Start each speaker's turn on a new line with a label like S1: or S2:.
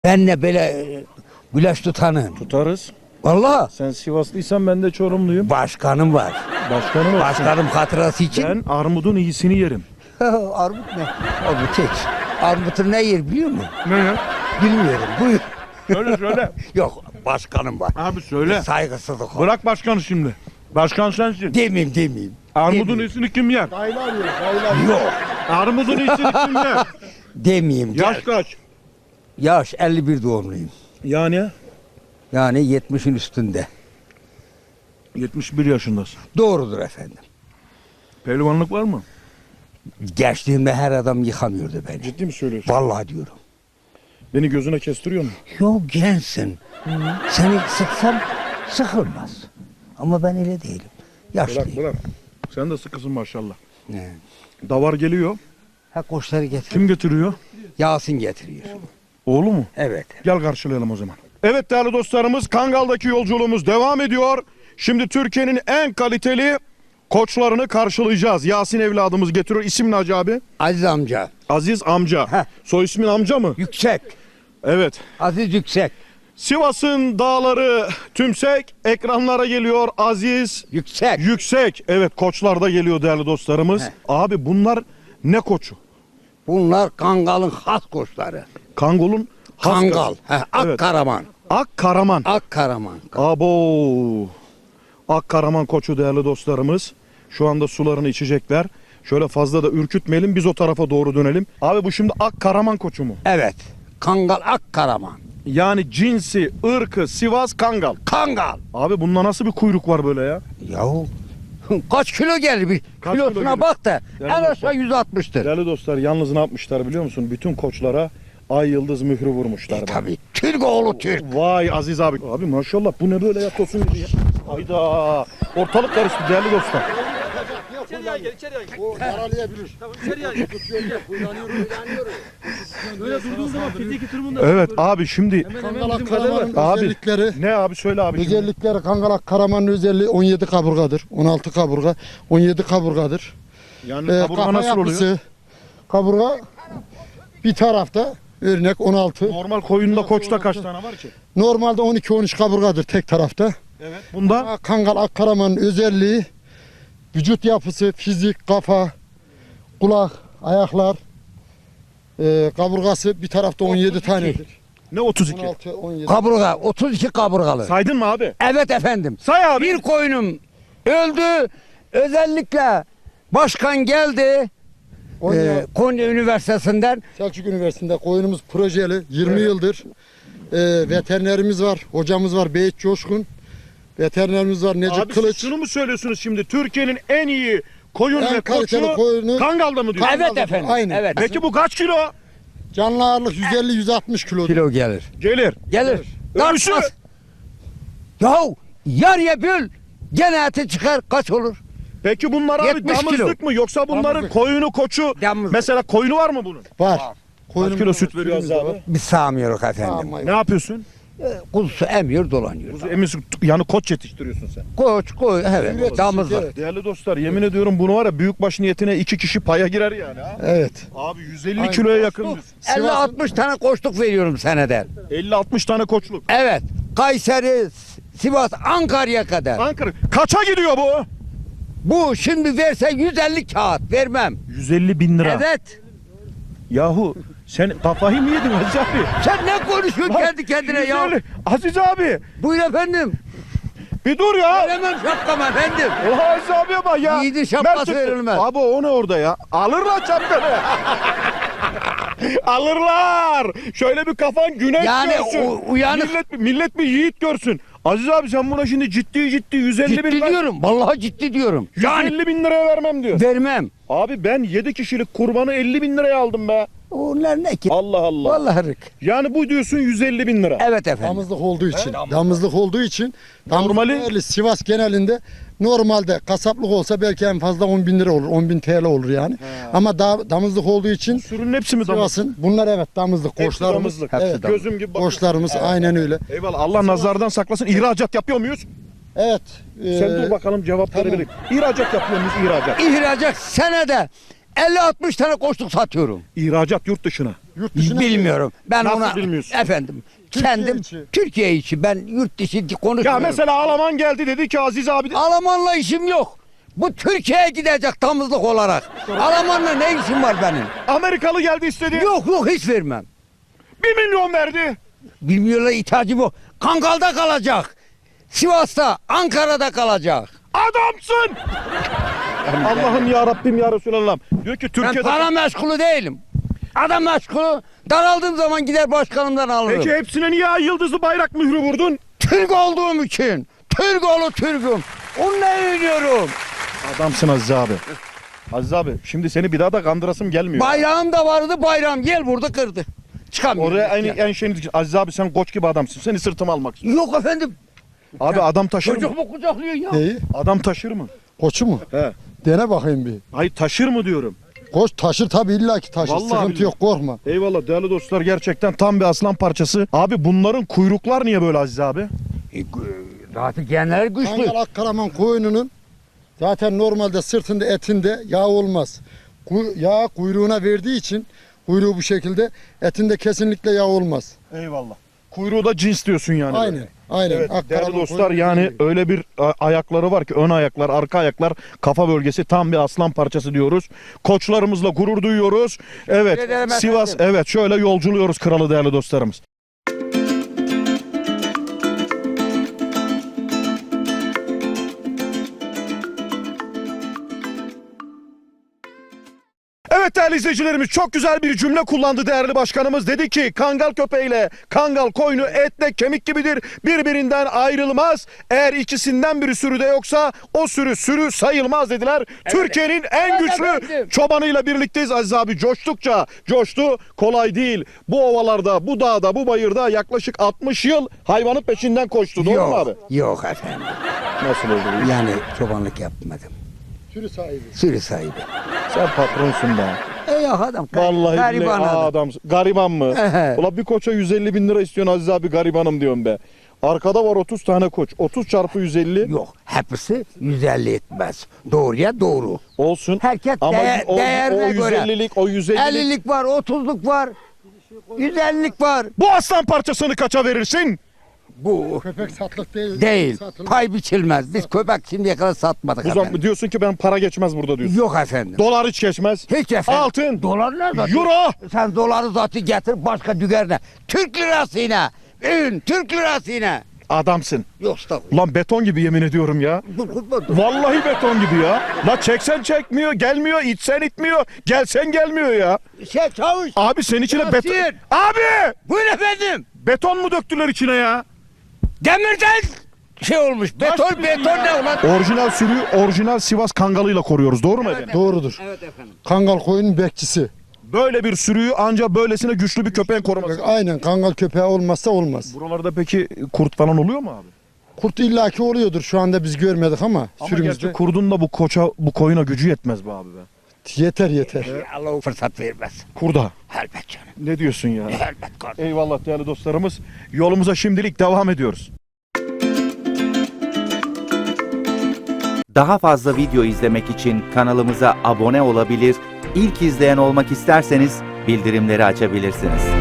S1: Ben de böyle güleş tutanım.
S2: Tutarız.
S1: Vallahi
S2: Sen Sivaslıysan ben de Çorumluyum.
S1: başkanım var.
S2: Başkanım olsun.
S1: Başkanım hatırası için.
S2: Ben armudun iyisini yerim.
S1: Armut ne? Armut hiç. Armut'u ne yer biliyor musun?
S2: Ne ya?
S1: Bilmiyorum. Buyur.
S2: Söyle söyle.
S1: Yok başkanım var.
S2: Abi söyle.
S1: Saygısızlık.
S2: Bırak başkanı şimdi. Başkan sensin.
S1: Demeyeyim.
S2: Armudun
S1: Demeyeyim.
S2: iyisini kim yer?
S1: Yok.
S2: Armudun iyisini kim yer?
S1: Demeyeyim.
S2: Yaş kaç?
S1: Yaş 51 doğumluyum.
S2: Yani
S1: Yani 70'in üstünde.
S2: 71 yaşındasın.
S1: Doğrudur efendim.
S2: Pehlivanlık var mı?
S1: Gençliğimde her adam yıkamıyordu beni.
S2: Ciddi mi söylüyorsun?
S1: Vallahi diyorum.
S2: Beni gözüne kestiriyor mu?
S1: Yok gençsin. Seni sıksam sıkılmaz. Ama ben öyle değilim. Yaşlıyım.
S2: Bırak. Sen de sıkısın maşallah.
S1: Ne?
S2: Davar geliyor.
S1: Ha koçları getir.
S2: Kim getiriyor?
S1: Yasin getiriyor.
S2: Oğlu mu?
S1: Evet.
S2: Gel karşılayalım o zaman. Evet değerli dostlarımız, Kangal'daki yolculuğumuz devam ediyor. Şimdi Türkiye'nin en kaliteli koçlarını karşılayacağız. Yasin evladımız getiriyor. İsim ne Hacı abi?
S1: Aziz amca.
S2: Aziz amca.
S1: Heh.
S2: Soy ismin amca mı?
S1: Yüksek.
S2: Evet.
S1: Aziz Yüksek.
S2: Sivas'ın dağları tümsek, ekranlara geliyor Aziz
S1: Yüksek.
S2: Yüksek. Evet, koçlar da geliyor değerli dostlarımız.
S1: Heh.
S2: Abi bunlar ne koçu?
S1: Bunlar Kangal'ın has koçları.
S2: Kangol'un has
S1: Kangal.
S2: koçu.
S1: He,
S2: Evet.
S1: Akkaraman.
S2: Akkaraman.
S1: Akkaraman.
S2: Abo. Akkaraman koçu değerli dostlarımız. Şu anda sularını içecekler. Şöyle fazla da ürkütmeyelim, biz o tarafa doğru dönelim. Abi bu şimdi Akkaraman koçu mu?
S1: Evet. Kangal Akkaraman.
S2: Yani cinsi, ırkı, Sivas Kangal.
S1: Kangal.
S2: Abi bunda nasıl bir kuyruk var böyle ya?
S1: Yahu kaç kilo gelir bir
S2: Kaç kilo
S1: kilosuna
S2: gelir?
S1: bak da
S2: Yani
S1: en aşağı 160'tır.
S2: Değerli dostlar, yalnız ne yapmışlar biliyor musun? Bütün koçlara ay yıldız mührü vurmuşlar. bana.
S1: Tabii. Türk oğlu Türk.
S2: Vay Aziz abi. Abi maşallah bu ne böyle ya, tosun gibi ya. Hayda. Ortalık karıştı değerli dostlar.
S3: İçeriye gel.
S4: O yaralayabilir.
S3: Tamam içeriye gel. Böyle durduğun zaman fiziki durumunda.
S2: Evet abi şimdi
S4: Kangalak Karaman'ın
S2: Abi.
S4: özellikleri,
S2: ne abi söyle abi. şimdi.
S4: özellikleri Kangalak Karaman'ın özelliği 17 kaburgadır. 16 kaburga, 17 kaburgadır.
S2: Yani kaburga
S4: Kafa
S2: nasıl oluyor?
S4: yapısı, kaburga bir tarafta örnek 16.
S2: Normal koyunda koçta kaç tane var ki?
S4: Normalde 12-13 kaburgadır tek tarafta.
S2: Evet. Bunda
S4: Ama Kangal Karaman'ın özelliği vücut yapısı, fizik, kafa, kulak, ayaklar, kaburgası bir tarafta 17 tanedir.
S2: ne 32?
S4: 16, 17.
S1: Kaburga 32 kaburgalı.
S2: Saydın mı abi?
S1: Evet efendim.
S2: Say abi.
S1: Bir koyunum öldü. Özellikle başkan geldi. Konya Üniversitesi'nden.
S4: Selçuk Üniversitesi'nde koyunumuz projeli 20 yıldır. Veterinerimiz var, hocamız var Beyit Coşkun. Veterinerimiz var Necip
S2: Abi
S4: Kılıç.
S2: siz şunu mu söylüyorsunuz şimdi? Türkiye'nin en iyi koyun
S4: En
S2: ve
S4: kaliteli
S2: koçu
S4: koyunu-
S2: Kangal'da mı diyorsun?
S1: Evet efendim.
S4: Aynen.
S1: Evet.
S2: Peki bu kaç kilo?
S4: Canlı ağırlık 150-160 kilo.
S1: Kilo gelir.
S2: Gelir.
S1: Gelir.
S2: Ölçü.
S1: Tartmaz. Yahu yarıya böl. Gene eti çıkar kaç olur?
S2: Peki bunlar abi
S1: 70 kilo.
S2: damızlık mı yoksa bunların
S4: Damızlık.
S2: koyunu koçu
S1: Damızlık.
S2: mesela koyunu var mı bunun?
S4: Var.
S2: Kaç kilo süt veriyor Aziz abi?
S1: Biz sağmıyoruz efendim.
S4: Ama
S2: Ne yapıyorsun?
S1: Kuzusu emiyor dolanıyor.
S2: Kuzu emiyorsun, yani koç yetiştiriyorsun sen.
S1: Koç koy evet
S4: Evet,
S1: damızlık.
S4: evet.
S2: Değerli dostlar, yemin ediyorum bunu var ya, büyükbaş niyetine 2 kişi paya girer yani ha.
S4: Evet.
S2: Abi 150
S4: Aynen.
S2: kiloya yakın.
S1: 50-60 tane koçluk veriyorum seneden.
S2: 50-60 tane koçluk.
S1: Evet. Kayseri, Sivas, Ankara'ya kadar.
S2: Ankara. Kaça gidiyor bu?
S1: Bu şimdi verse 150 kağıt vermem.
S2: 150 bin lira.
S1: Evet.
S2: Yahu sen kafayı mı yedin Aziz abi?
S1: Sen ne konuşuyorsun
S2: Bak,
S1: kendi kendine ya?
S2: 150. Aziz abi
S1: Buyur efendim.
S2: bir dur ya.
S1: Veremem şapkamı efendim.
S2: Oha Aziz abiye bak ya.
S1: Yiğidin şapkası
S2: Ver çıktı.
S1: verilmez.
S2: Abi o ne orada ya? Alırlar şapkanı. Alırlar. Şöyle bir kafan güneş
S1: Yani
S2: görsün.
S1: uyanık.
S2: Millet bir yiğit görsün. Aziz abi sen buna şimdi ciddi 150
S1: Ciddi
S2: bin lira.
S1: diyorum. Vallahi ciddi diyorum.
S2: 150 bin liraya vermem diyor.
S1: Vermem.
S2: Abi ben 7 kişilik kurbanı 50 bin liraya aldım be.
S1: Onlar ne ki?
S2: Allah Allah.
S1: Vallahi rık.
S2: Yani bu diyorsun 150 bin lira.
S1: Evet efendim.
S4: Damızlık olduğu için. Damızlık olduğu için.
S2: Normali-
S4: Normali Sivas genelinde normalde kasaplık olsa belki en fazla 10 bin lira olur. 10 bin TL olur yani. Ama damızlık olduğu için
S2: Sürünün hepsi mi damız?
S4: Sivas'ın bunlar evet damızlık
S2: Hepsi
S4: koçlarımız.
S2: damızlık.
S1: Hepsi
S4: Evet.
S1: damızlık.
S2: Gözüm gibi bakıyor.
S4: Koçlarımız aynen öyle.
S2: Eyvallah, Allah nazardan saklasın. İhracat yapıyor muyuz?
S4: Evet.
S2: Sen dur bakalım cevapları
S4: tamam.
S2: verin. İhracat yapıyor muyuz? İhracat.
S1: İhracat senede 50-60 tane koçluk satıyorum.
S2: İhracat yurt dışına.
S4: Yurt dışına
S1: Bilmiyorum. Ben
S2: Nasıl
S1: ona
S2: bilmiyorsun?
S1: efendim
S4: Türkiye
S1: kendim
S4: içi.
S1: Türkiye içi ben yurt dışı konuşmuyorum.
S2: Ya mesela Alman geldi dedi ki Aziz abi
S1: Almanla işim yok. Bu Türkiye'ye gidecek tamızlık olarak. Almanla ne işim var benim?
S2: Amerikalı geldi istedi.
S1: Yok hiç vermem.
S2: 1 milyon verdi.
S1: Bilmiyorlar ihtiyacı bu. Kangal'da kalacak. Sivas'ta, Ankara'da kalacak.
S2: Adamsın. Allah'ım ya Rabbim ya Resulallah. Diyor ki
S1: Ben
S2: Türkiye'de...
S1: para meşgulu değilim. Adam meşgulu. Daraldığım zaman gider başkanımdan alırım.
S2: Peki hepsine niye ay yıldızlı bayrak mührü vurdun?
S1: Türk olduğum için. Türk oğlu Türk'üm. Onunla övünüyorum.
S2: Adamsın Aziz abi. Aziz abi şimdi seni bir daha da kandırasım gelmiyor.
S1: Bayrağım da vardı bayram. Gel burada kırdı. Çıkamıyorum.
S2: Oraya en şeyini... Aziz abi sen koç gibi adamsın. Seni sırtıma almak istiyorum.
S1: Yok efendim.
S2: Abi adam taşır
S1: Çocuk
S2: mı?
S1: mu kucaklıyor ya?
S4: Neyi?
S2: Adam taşır mı?
S4: Koçu mu?
S2: He.
S4: Dene bakayım bir.
S2: Hayır taşır mı diyorum.
S4: Koç taşır tabii illaki taşır.
S2: Vallahi
S4: Sıkıntı
S2: billahi.
S4: yok korkma.
S2: Eyvallah değerli dostlar gerçekten tam bir aslan parçası. Abi bunların kuyruklar niye böyle Aziz abi?
S1: Zaten genler güçlü.
S4: Kangal Akkaraman koyununun zaten normalde sırtında etinde yağ olmaz. Yağ kuyruğuna verdiği için kuyruğu bu şekilde etinde kesinlikle yağ olmaz.
S2: Eyvallah. Kuyruğu da cins diyorsun yani.
S4: Aynen. Aynen.
S2: Evet, değerli
S4: Akkaraman
S2: dostlar
S4: koyunu
S2: yani
S4: dediği gibi.
S2: öyle bir ayakları var ki ön ayaklar, arka ayaklar, kafa bölgesi tam bir aslan parçası diyoruz. Koçlarımızla gurur duyuyoruz. Evet,
S1: Teşekkür ederim
S2: Sivas
S1: efendim.
S2: evet şöyle yolculuyoruz kralı değerli dostlarımız. Evet değerli izleyicilerimiz çok güzel bir cümle kullandı değerli başkanımız. Dedi ki kangal köpeğiyle kangal koyunu etle kemik gibidir. Birbirinden ayrılmaz. Eğer ikisinden biri sürüde yoksa o sürü sayılmaz dediler. Türkiye'nin en
S1: Evet
S2: güçlü
S1: efendim.
S2: çobanıyla birlikteyiz Aziz abi. Coştukça coştu. Kolay değil. Bu ovalarda, bu dağda, bu bayırda yaklaşık 60 yıl hayvanın peşinden koştu. Doğru mu abi?
S1: Yok efendim.
S2: Nasıl oldu?
S1: Yani çobanlık yapmadım.
S4: Sürü sahibi.
S1: Sürü sahibi.
S2: Sen patronsun be.
S1: Yok adam.
S2: Vallahi
S1: gariban
S2: billahi
S1: adam.
S2: adam. Gariban mı?
S1: Ehe.
S2: Ulan bir koça 150 bin lira istiyorsun Aziz abi garibanım diyorum be. Arkada var 30 tane koç. 30 çarpı 150
S1: Yok. Hepsi 150 etmez. Doğruya doğru.
S2: olsun.
S1: Herkes
S2: Ama o
S1: değerine göre.
S2: 150'lik o 150'lik
S1: 50'lik var, 30'luk var. 150'lik var.
S2: bu aslan parçasını kaça verirsin?
S1: Bu
S4: Köpek satlık değil.
S1: değil.
S4: Satılmaz.
S1: Pay biçilmez. Biz köpek şimdiye kadar satmadık
S2: Bu
S1: efendim.
S2: zaman diyorsun ki ben para geçmez burada diyorsun.
S1: Yok efendim.
S2: Dolar hiç geçmez.
S1: Hiç efendim.
S2: Altın.
S1: Dolar ne zaten?
S2: Euro.
S1: Sen doları zaten getir başka dügerine. Türk lirasıyla. Türk lirasıyla.
S2: Adamsın.
S1: Yok estağfurullah.
S2: Ulan beton gibi yemin ediyorum ya.
S1: Dur.
S2: Vallahi beton gibi ya. La çeksen çekmiyor, gelmiyor, itsen itmiyor, gelsen gelmiyor ya.
S1: Çavuş.
S2: Abi senin içine
S1: Yasin.
S2: beton... Abi!
S1: Buyurun efendim.
S2: Beton mu döktüler içine ya?
S1: Demirden şey olmuş. Beton ne ulan?
S2: Orijinal sürüyü orijinal Sivas Kangalı'yla koruyoruz. Doğru mu efendim?
S4: Doğrudur.
S1: Evet efendim.
S4: Kangal koyunun bekçisi.
S2: Böyle bir sürüyü ancak böylesine güçlü bir köpeğin koruması.
S4: Aynen kangal köpeği olmazsa olmaz.
S2: Buralarda peki kurt falan oluyor mu abi?
S4: Kurt illaki oluyordur. Şu anda biz görmedik ama,
S2: Ama
S4: sürümüzde.
S2: gerçi kurdun da bu koyuna gücü yetmez be abi be.
S4: Yeter.
S1: Allah o fırsat vermez.
S2: Kurda.
S1: Elbet canım.
S2: Ne diyorsun ya?
S1: Elbet kardeşim.
S2: Eyvallah değerli dostlarımız. Yolumuza şimdilik devam ediyoruz.
S5: Daha fazla video izlemek için kanalımıza abone olabilir, ilk izleyen olmak isterseniz bildirimleri açabilirsiniz.